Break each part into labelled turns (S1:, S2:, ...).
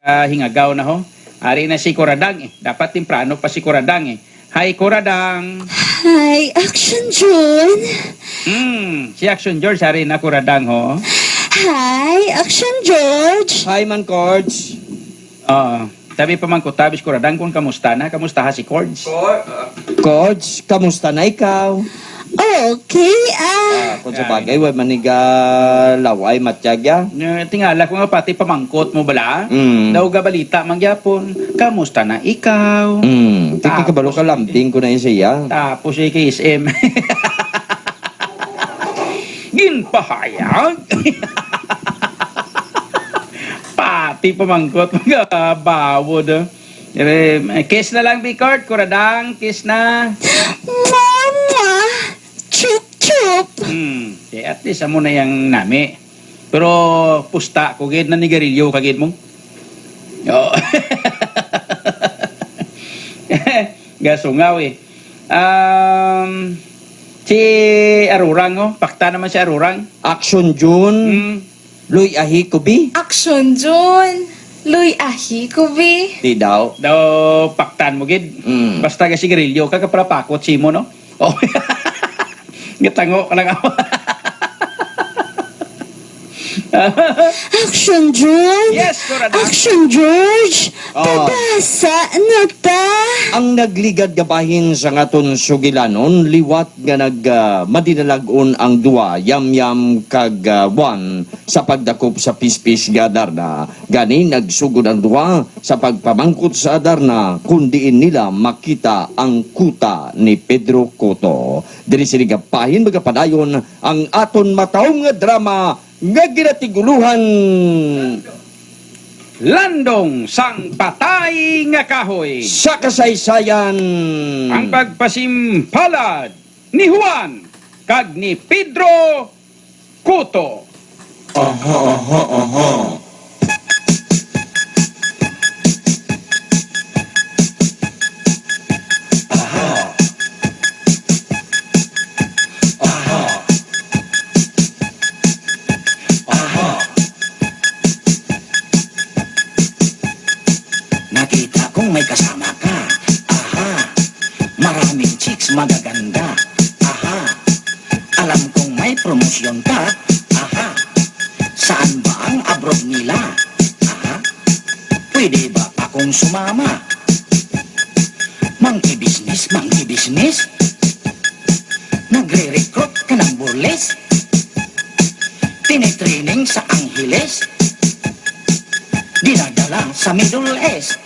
S1: hingagaw na ho. Ari na si Kuradang eh. Dapat timprano pa si Kuradang eh. Hi, Kuradang.
S2: Hi, Action June.
S1: Si Action George, ari na Kuradang ho.
S2: Hi, Action George.
S3: Hi, man, Cords.
S1: Sabi pa man ko, tabis Kuradang kung kamusta na. Kamusta ha si Cords?
S3: Cords, kamusta na ikaw?
S2: Okay,
S3: Kung sa bagay, way maniga laway matyaga.
S1: Tingala ko nga pati pamangkot mo bala.
S3: Mm.
S1: Daw ga balita mangyapon. Kamusta na ikaw?
S3: Tiki kabalo ka lambing ko na yun siya.
S1: Tapos si KSM. Ginpahayag. Pati pamangkot mga bawod. Kiss na lang, Bicart. Kuradang, kiss na.
S2: Mama. Chup, chup.
S1: At least amo na yung nami. Pero pusta, kugid na nigarilyo kagid mo. Oo. Gasungaw eh. Si Arurang, oh. Pakta naman si Arurang.
S3: Action June, Luy Ahi Kubi.
S4: Action June. Luy ahi ko be.
S3: Di daw.
S1: Daw paktan mo gid. Basta ka sigarilyo ka para pakot si mo no. Oh. Gitango ka lang ako.
S2: Action June.
S1: Yes, Kuradang.
S2: Action George.
S3: Oh.
S2: Pabasa na ta.
S3: Ang nagligad gabahin sa ngaton sugilanon, liwat nga madinalagon ang duwa, yam-yam kag buwan sa pagdakop sa pispis ga Adarna. Gani nagsugod ang duwa sa pagpamangkot sa Adarna, kundiin nila makita ang kuta ni Pedro Cotto. Diri sinigapahin magapadayon ang aton mataong nga drama nga ginatiguluhan.
S1: Landong sang patay nga kahoy.
S3: Sa kasaysayan.
S1: Ang pagpasimpalad ni Juan kag ni Pedro Cotto.
S5: Nakita kong may kasama ka. Aha. Maraming chicks magaganda. Aha. Alam kong may promosyon ka. Aha. Saan ba ang abroad nila? Aha. Pwede ba akong sumama? Monkey business, monkey business. Nagre-recruit ka ng burles. Tinitraining sa Angeles. Dinadala sa Middle East.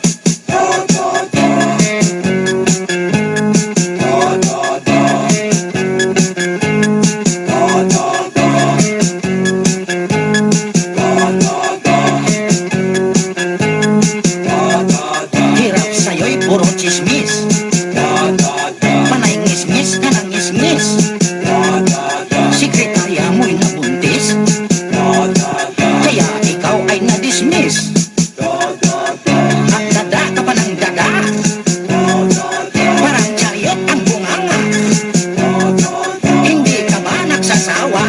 S5: Hirap sa'yo'y puro chismis. Panay ngismis ka ng ngismis. Sekretarya mo'y nabuntis. Kaya ikaw ay na-dismiss. At dada ka pa ng dada. Parang chariot ang bunganga. Hindi ka ba nagsasawa?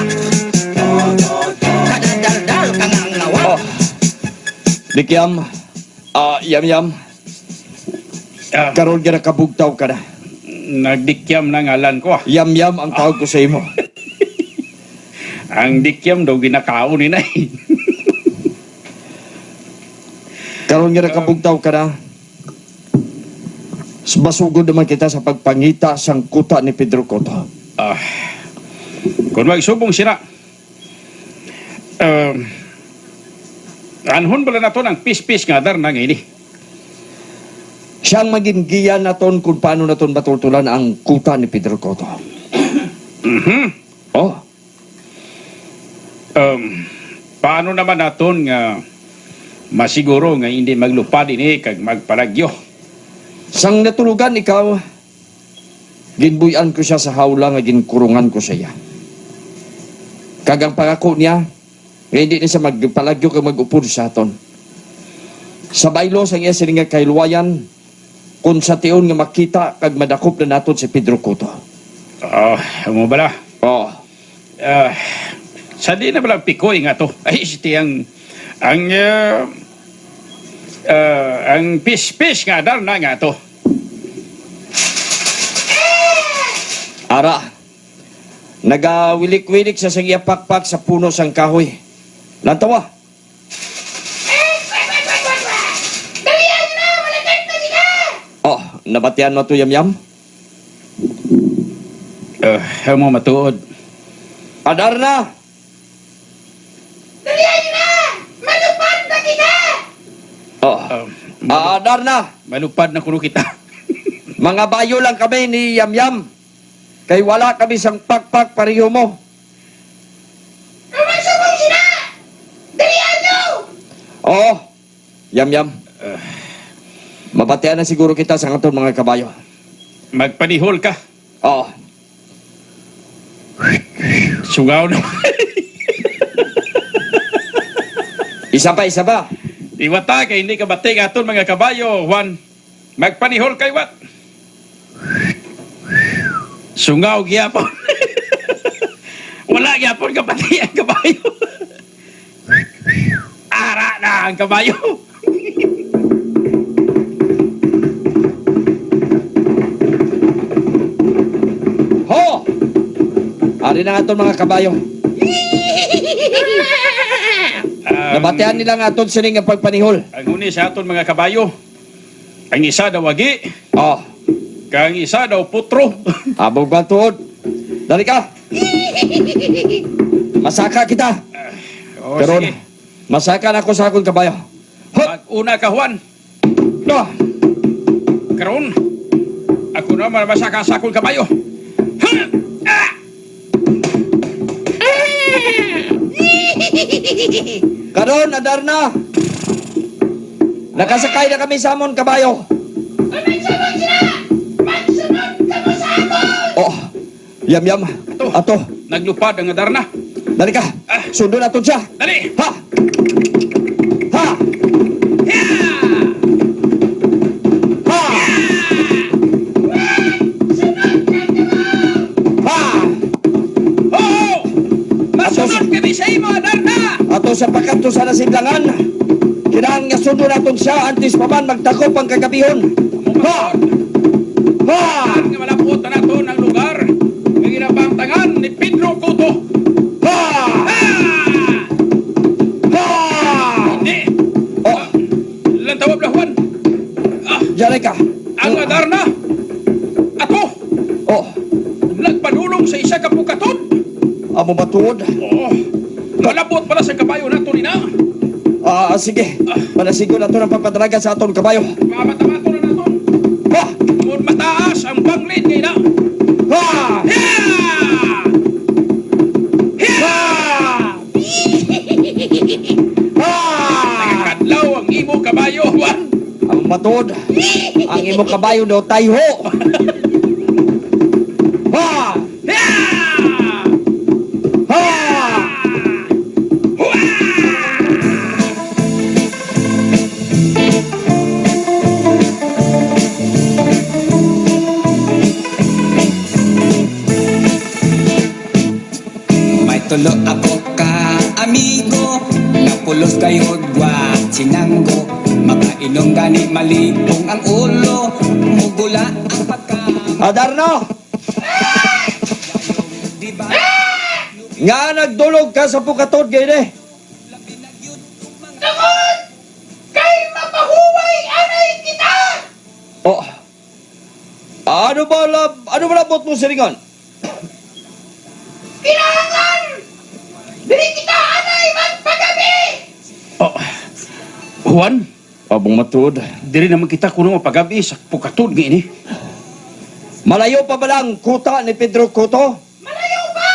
S5: Kadadaldal ka nga ngawa.
S3: Likyam, yam-yam, karon ka nakabugtaw ka na.
S1: Nagdikyam na ngalan ko.
S3: Yam-yam ang tawag ko sa imo.
S1: Ang dikyam daw ginakaon ni Nay.
S3: Karon nga nakabugtaw ka na. Masugod naman kita sa pagpangita sang kuta ni Pedro Cotto.
S1: Kung magsubong sira, anhon pala na to ng pis-pis nga dar na ngayon eh.
S3: Siyang maging giya naton kung paano naton matultulan ang kuta ni Pedro Cotto. Oh,
S1: Paano naman naton nga masiguro nga hindi maglupad ini kag magpalagyo?
S3: sang natulugan ikaw, ginbuyan ko siya sa hawla nga ginkurungan ko siya. Kagang pangako niya, nga hindi na siya magpalagyo kag mag-upod sa aton. Sa baylo sang iya sininga kailwayan, kung sa tiyon nga makita kag madakop na naton si Pedro Cotto.
S1: Mo bala?
S3: Oh,
S1: Sa di na balang pikoy nga to. Ay, iti ang Ang pispis nga Darna nga to.
S3: Ara, nagawilik-wilik sa pakpak sa puno sang kahoy. Lantawa. Oh, nabatian mo to yam-yam?
S1: Mo matuod.
S3: Adar na! Oh, adar na!
S1: Malupad na kuno kita.
S3: Mga bayo lang kami ni Yam-Yam. Kay wala kami sang pakpak pareho mo. Oh, Yam-Yam. Mabatian na siguro kita sa aton mga kabayo.
S1: Magpanihol ka.
S3: Oh,
S1: Sugaw na.
S3: isa pa.
S1: Iwata kay hindi ka bating aton mga kabayo, Juan. Magpanihol kay wat. Sungaw gyapon. Wala gyapon ka pati ang kabayo. Ara na ang kabayo.
S3: ho! Ari na aton mga kabayo. Nabatian nila nga aton sining ang pagpanihol.
S1: Ang huni sa aton mga kabayo. Ang isa daw wagi,
S3: Oh,
S1: kang isa daw putro.
S3: abog ba tuod? Dali ka! Masaka kita!
S1: O
S3: Pero
S1: sige,
S3: masaka na ako sa akong kabayo. Hop!
S1: mag-una ka Juan.
S3: No!
S1: Karon, ako naman masaka sa akong kabayo.
S3: Karon, adar na! Nakasakay na kami sa amon kabayo. Oh, yam-yam. Ato,
S1: Naglupad ang Darna.
S3: dali ka. Sundo na siya.
S1: Dali!
S3: Ha! Ha! Ha! Ha!
S1: Oh! Masunod kami sa imo, Darna!
S3: Ato sa pagkanto sa nasidlangan. Kailangan nga sundo naton siya antes pa man magtakop ang kagabihon. Ha! Ha!
S1: Nga malapot na nato ng lugar. Ang ginapangtangan ni Pedro Cotto.
S3: Ha! Ha!
S1: Hindi!
S3: Oh,
S1: Ilang tawag na Juan?
S3: diyan ka.
S1: Ang Darna! Ato!
S3: Oh,
S1: Nagpanulong sa isa ka pukaton!
S3: amo matuod.
S1: Oh! Malapot pala sa kabayo nato ni na.
S3: Sige. Panasigo na to ng pagpadalaga sa aton kabayo.
S1: Mamatamato na nato.
S3: Ha!
S1: Kung mataas ang banglid ngayon na.
S3: Ha! Ha! Ha!
S1: Kadlaw ang imo kabayo, Juan.
S3: Ang matuod. Ang imo kabayo daw tayo. Ha! Ha!
S6: May tulo ako ka amigo, napulos kayo gwat sinanggo. Makainom gani malipong ang ulo, mugula ang pagka.
S3: Adar na!
S6: Diba?
S3: Nga nagdulog ka sa pukatod gayon eh. Oh. Ano ba labot mo siringan?
S1: Oh, Juan,
S3: Abong matuod.
S1: diri naman kita kuno mapagabi sa pukatod nga ini.
S3: Malayo pa ba lang kuta ni Pedro Cotto?
S7: Malayo pa!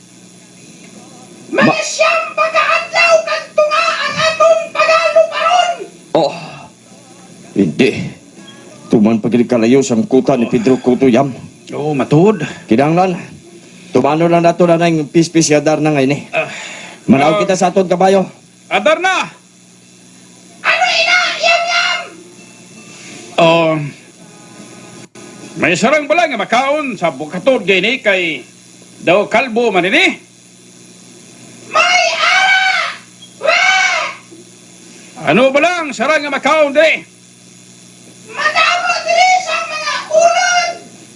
S7: Mga siyang pagkaadlaw kag tunga ang aton pagaluparon!
S3: Oh. Hindi. Tuman pagkili kalayo sa kuta ni Pedro Cotto yam.
S1: Oo, matuod.
S3: Kinanglan. Tumano lang nato na ng pispis yadar na ngayon eh. Manaw kita sa aton kabayo.
S1: Adar na!
S7: Ano ina? Yam-yam!
S1: Oh, may sarang bala nga makaon sa pukatod nga ini kay daw kalbo man ini.
S7: May ara!
S1: Ano ba lang, sarang nga makaon de?
S7: Madamo diri sa mga ulod,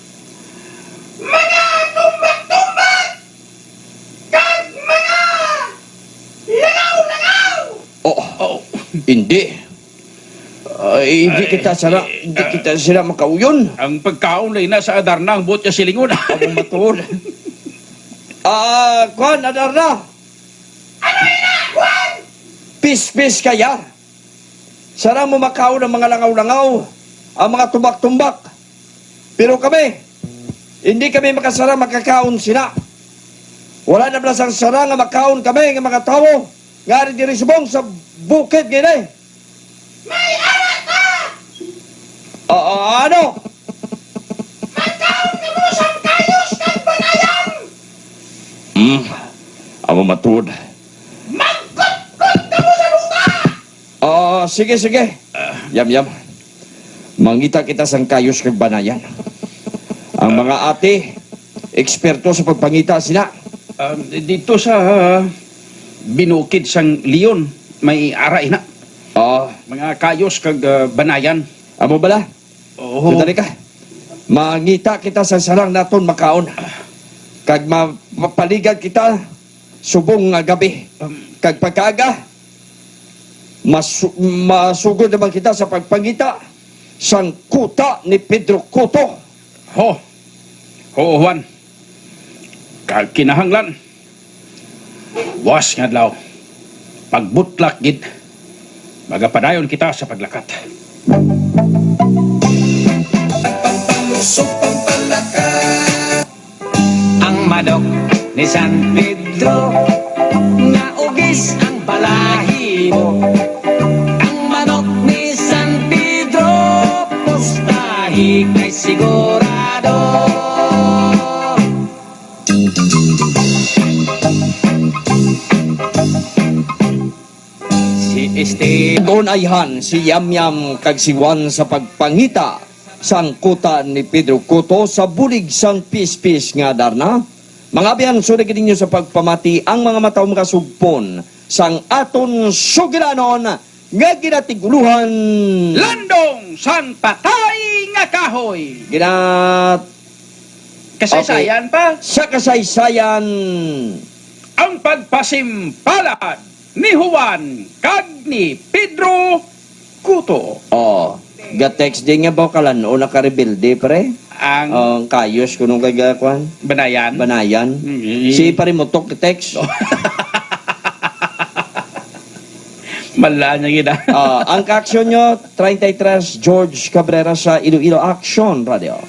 S7: mga tumbak-tumbak, kag mga langaw-langaw.
S1: Oh,
S3: Hindi. Hindi kita sila makauyon.
S1: ang pagkaon lay na sa Adarna, ang buot niya silingon.
S3: Ang matuod. Kwan, Adarna.
S7: Ano ina, Juan?
S3: Pis-pis kaya. Sarang mo makaon ang mga langaw-langaw, ang mga tumbak-tumbak. Pero kami, hindi kami makasara makakaon sila. Wala na pala sang sara nga makaon kami ng mga tao. Nga rin diri subong sa bukid gini.
S7: May anak ka!
S3: Ano?
S7: Magkaon ka mo sa kayos kag banayan!
S3: Amo matuod.
S7: Magkut-kut ka mo sa lupa!
S3: Sige. Yam. Mangita kita sang kayos kag banayan. Ang mga ate, eksperto sa pagpangita sila.
S1: Dito sa binukid sang Leon, may aray na. Mga kayos kag banayan.
S3: Amo bala?
S1: Oo.
S3: Tutari ka. Mangita kita sa sarang naton makaon. Kag mapaligad kita subong nga gabi. Kag pagkaaga, masugod naman kita sa pagpangita sang kuta ni Pedro Cotto.
S1: Oo, Juan. Kag kinahanglan. Was nga adlaw. Pagbutlak gid. Magapadayon kita sa paglakat.
S6: Ang manok ni San Pedro naugis ang balahibo. Ang manok ni San Pedro pustahi kay sigurado. Si Esteban
S3: Doon ayhan si Yamyam kag si Juan sa pagpangita sang kuta ni Pedro Cotto sa bulig sang pis-pis nga Adarna. Mga biyan, sunod ninyo sa pagpamati ang mga mataw makasugpon sang aton sugilanon nga ginatiguluhan.
S1: Landong san patay nga kahoy. Kasaysayan pa
S3: Sa kasaysayan.
S1: ang pagpasimpalad ni Juan kag ni Pedro Cotto.
S3: Gatex din nga bawkalan o nakarebelde pre.
S1: Ang
S3: Ang kayos kunong kagakwan.
S1: banayan.
S3: Banayan. Si pare mo tok text.
S1: Mala niya gina.
S3: Ang kaaksyon nyo, 33 George Cabrera sa Iloilo Action Radio.